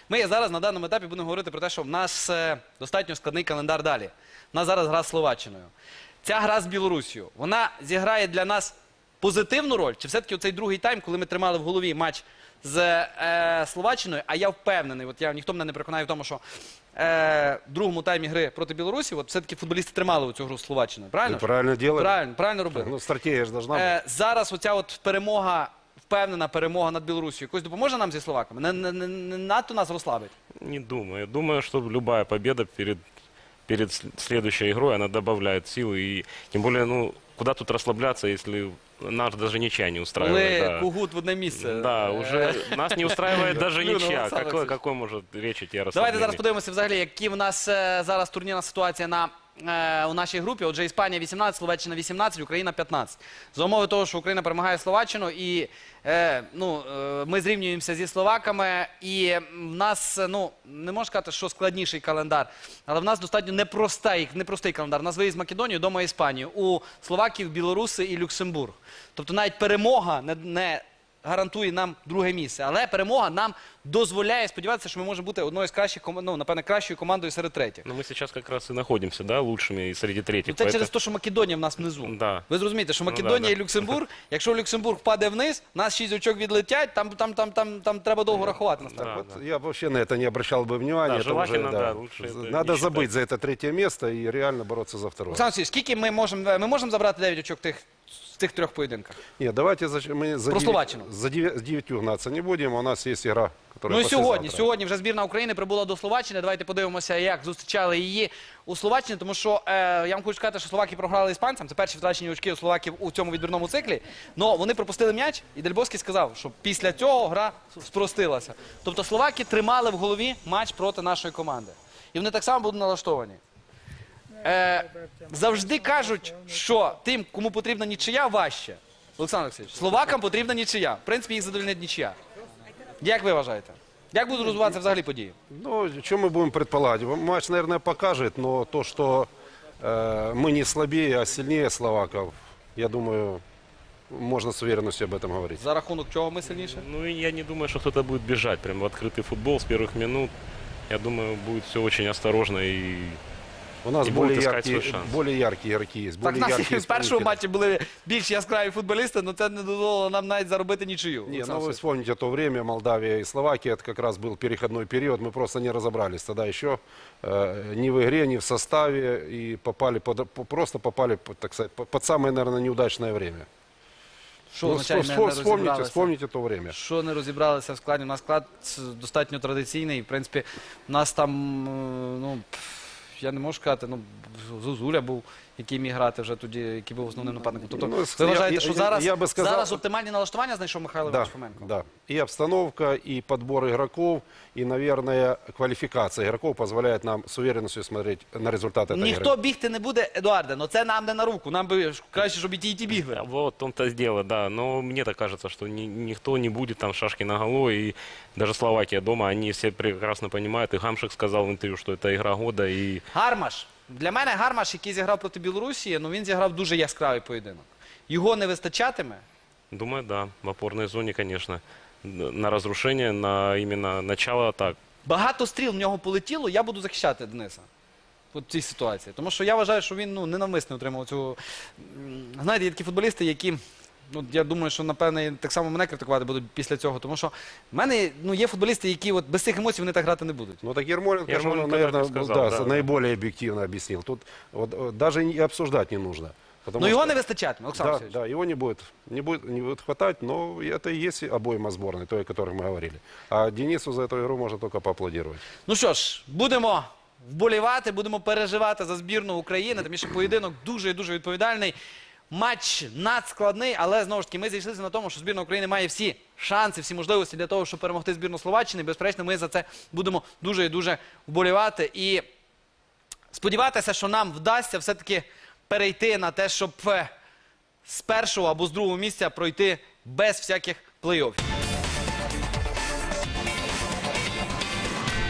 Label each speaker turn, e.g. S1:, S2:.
S1: Ми зараз на даному етапі будемо говорити про те, що в нас достатньо складний календар далі. У нас зараз гра з Словаччиною. Ця гра з Білорусією, вона зіграє для нас позитивну роль? Чи все-таки оцей другий тайм, коли ми тримали в голові матч з Словаччиною, а я впевнений, ніхто мене не переконає в тому, що в другому таймі гри проти Білорусі, все-таки футболісти тримали цю гру з Словаччиною, правильно?
S2: Правильно делали.
S1: Правильно робили.
S2: Ну, стратегия же должна бути.
S1: Зараз оця от перемога, впевнена перемога над Білорусією, якось допоможе нам зі словаками? Не надто нас розслабить?
S3: Не думаю. Думаю, что любая победа перед следующей игрой, она добавляет силы. И тем более, ну, куда тут расслабляться, если нас даже ничья не устраивает.
S1: Коли
S3: Да.
S1: Кугут в одне місце.
S3: Да, уже нас не устраивает даже
S1: Блин,
S3: ничья.
S1: Олександр
S3: Какой может речь идти о
S1: Давайте
S3: расслаблении?
S1: зараз подивимося взагалі, які в нас зараз турнірна ситуація у нашій групі. Отже, Іспанія 18, Словаччина 18, Україна 15. За умови того, що Україна перемагає Словаччину і ми зрівнюємося зі словаками, і в нас, не можна сказати, що складніший календар, але в нас достатньо непростий календар. У нас виїзд в Македонію, дома Іспанію. У словаків, білоруси і Люксембург. Тобто навіть перемога не гарантує нам друге місце, але перемога нам дозволяє сподіватися, що ми можемо бути одною з кращих, напевне, кращою командою серед третіх.
S3: Но мы сейчас как раз и находимся, да, лучшими и среди третьих.
S1: Це через те, що Македонія в нас внизу.
S3: Да.
S1: Ви зрозумієте, що Македонія і Люксембург, якщо Люксембург впаде вниз, нас 6 очок відлетять, там треба довго рахувати.
S3: Да.
S2: Вот я вообще на это не обращал бы внимания.
S3: Да,
S2: Это
S3: желательно,
S2: уже,
S3: да, лучше это
S2: надо
S3: не
S2: забыть
S3: считать.
S2: за это третье место и реально бороться за второе.
S1: Олександр Васильович, скільки ми можемо забрати 9 очок в тих трьох поєдинках?
S2: Нет, давайте мы
S1: Про Словаччину.
S2: за 9 гнаться не будем. У нас есть игра, которая
S1: Ну і
S2: послезавтра.
S1: сьогодні вже збірна України прибула до Словаччини. Давайте подивимося, як зустрічали її у Словаччині, тому що я вам хочу сказати, що словаки програли іспанцям. Це перші втрачені очки у словаків у цьому відбірному циклі. Но вони пропустили м'яч, і Дель Боске сказав, що після цього гра спростилася. Тобто словаки тримали в голові матч проти нашої команди. І вони так само будуть налаштовані. Завжди кажуть, що тим, кому потрібна нічия, важче. Олександр Олексійович, словакам потрібна нічия. В принципі, їх задовольнить нічия. Як ви вважаєте? Як будуть розвиватися взагалі події?
S2: Ну, что мы будем предполагать? Матч, наверное, покажет, но то, что мы не слабее, а сильнее словаков, я думаю, можно с уверенностью об этом говорить.
S1: За рахунок чого ми сильніше?
S3: Ну и я не думаю, что кто-то будет бежать прям в открытый футбол с первых минут. Я думаю, будет все очень осторожно и...
S2: У нас
S3: И
S2: более
S3: будут искать
S2: яркие,
S3: свой шанс.
S2: более яркие игроки есть,
S1: Так,
S2: более
S1: в нас
S2: яркие
S1: в першому
S2: исполнители.
S1: матчі були більш яскраві футболісти, але це не дозволило нам навіть заробити нічию.
S2: Не,
S1: Олександр
S2: ну вы
S1: Олексійович.
S2: вспомните то время, Молдавия и Словакия, это как раз был переходной период, мы просто не разобрались тогда еще ни в игре, ни в составе, и просто попали, так сказать, под самое, наверное, неудачное время.
S1: Що
S2: Ну,
S1: означає не розібралися?
S2: вспомните то время.
S1: Що не розібралися в складі? У нас склад достатньо традиційний. В принципі, у нас там, я не можу сказати, Зозуля був, який міг грати вже тоді, який був основним нападником. Тобто,
S2: Ну,
S1: ви вважаєте, що
S2: я би сказав-
S1: зараз оптимальні налаштування знайшов Михайло
S2: Да,
S1: Іванович Фоменко?
S2: да. И обстановка, и подбор игроков, и, наверное, квалификация игроков позволяет нам с уверенностью смотреть на результаты этой
S1: Ніхто
S2: игры.
S1: бігти не буде, Едуарде, але це нам не на руку. Нам би краще, щоб і ті бігли.
S3: Вот в том-то и дело, да. Но мне так кажется, что никто не будет там шашки наголо. И даже Словакия дома, они все прекрасно понимают. И Гамшик сказал в интервью, что это игра года. И
S1: Гармаш. Для мене Гармаш, який зіграв проти Білорусі, він зіграв дуже яскравий поєдинок. Його не вистачатиме.
S3: думаю, да, в опорной зоне, конечно, на разрушение, на именно начало атак.
S1: Багато стріл в нього полетіло, я буду захищати Дениса в цій ситуації. Тому що я вважаю, що він ненавмисно отримав цю... Знаєте, є такі футболісти, які... я думаю, що, напевне, так само мене критикувати будуть після цього. Тому що в мене є футболісти, які без цих емоцій вони так грати не будуть.
S2: Ну так Ермоленко,
S3: Ермоленко
S2: наверное,
S3: так и сказал, да.
S2: наиболее объективно объяснил. Тут даже и обсуждать не нужно.
S1: Ну його не вистачатиме, Олександр
S2: Да,
S1: Олексійович.
S2: да, его не будет хватать, но это и есть обойма сборной, той, о которой мы говорили. А Денису за эту игру можно только поаплодировать.
S1: Ну що ж, будемо вболівати, будемо переживати за збірну України, тому що поєдинок дуже і дуже відповідальний. Матч надскладний, але знову ж таки ми зійшлися на тому, що збірна України має всі шанси, всі можливості для того, щоб перемогти збірну Словаччини. Безперечно, ми за це будемо дуже і дуже вболівати. І сподіватися, що нам вдасться все-таки перейти на те, щоб з першого або з другого місця пройти без всяких плей-оффів.